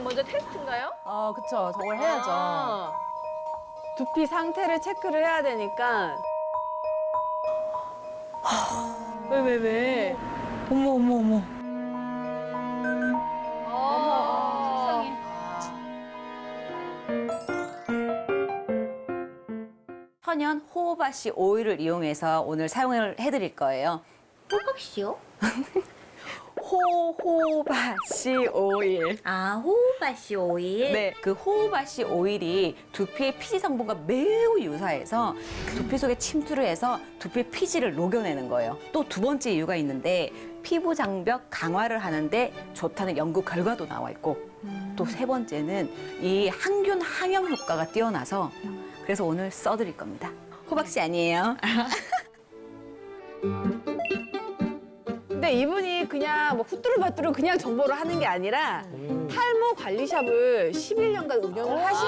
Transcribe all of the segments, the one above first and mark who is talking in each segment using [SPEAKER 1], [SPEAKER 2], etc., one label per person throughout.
[SPEAKER 1] 먼저 테스트인가요?
[SPEAKER 2] 그쵸. 저걸 해야죠.
[SPEAKER 3] 두피 상태를 체크를 해야 되니까. 왜?
[SPEAKER 2] 어머, 어머, 어머.
[SPEAKER 1] 속상해.
[SPEAKER 4] 천연 호호바씨 오일을 이용해서 오늘 사용을 해드릴 거예요.
[SPEAKER 5] 호박씨요?
[SPEAKER 4] 호호바씨 오일.
[SPEAKER 5] 아, 호박씨 오일?
[SPEAKER 4] 네, 그 호호바씨 오일이 두피의 피지 성분과 매우 유사해서 두피 속에 침투를 해서 두피의 피지를 녹여내는 거예요. 또 두 번째 이유가 있는데 피부 장벽 강화를 하는데 좋다는 연구 결과도 나와 있고 또 세 번째는 이 항균 항염 효과가 뛰어나서 그래서 오늘 써드릴 겁니다. 호박씨 아니에요.
[SPEAKER 3] 근데 이분이 그냥 뭐 후뚜루마뚜루 그냥 정보를 하는 게 아니라 탈모 관리샵을 11년간 운영을 하신.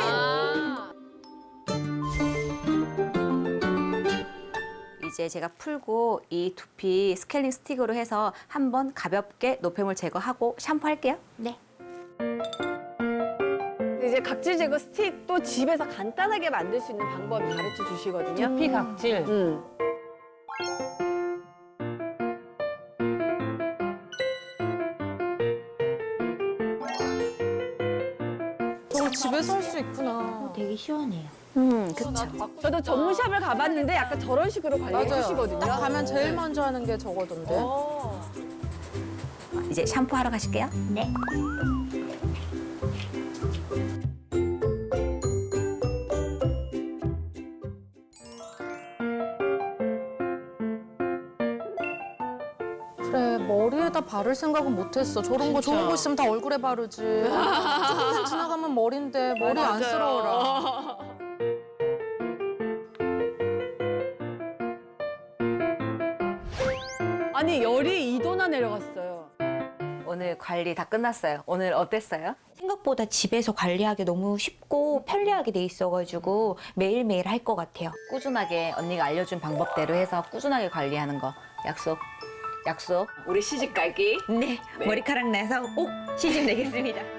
[SPEAKER 4] 이제 제가 풀고 이 두피 스케일링 스틱으로 해서 한번 가볍게 노폐물 제거하고 샴푸할게요.
[SPEAKER 5] 네.
[SPEAKER 3] 이제 각질 제거 스틱도 집에서 간단하게 만들 수 있는 방법을 가르쳐 주시거든요.
[SPEAKER 2] 두피 각질. 저거 집에서 할 수 있구나.
[SPEAKER 5] 되게 시원해요.
[SPEAKER 4] 그쵸.
[SPEAKER 3] 저도 전문샵을 가봤는데 약간 저런 식으로 관리해 주시거든요.
[SPEAKER 2] 딱 가면 제일 먼저 하는 게 저거던데.
[SPEAKER 4] 이제 샴푸하러 가실게요.
[SPEAKER 5] 네.
[SPEAKER 2] 그래, 머리에다 바를 생각은 못했어. 저런 거 좋은 거 있으면 다 얼굴에 바르지. 조금만 지나가면 머리인데 머리 안쓰러워라.
[SPEAKER 3] 아니 열이 2도나 내려갔어요.
[SPEAKER 4] 오늘 관리 다 끝났어요. 오늘 어땠어요?
[SPEAKER 5] 생각보다 집에서 관리하기 너무 쉽고 편리하게 돼 있어가지고 매일매일 할 것 같아요.
[SPEAKER 4] 꾸준하게 언니가 알려준 방법대로 해서 꾸준하게 관리하는 거 약속. 약속. 우리 시집 갈기.
[SPEAKER 5] 네, 머리카락 나서 꼭 시집 내겠습니다.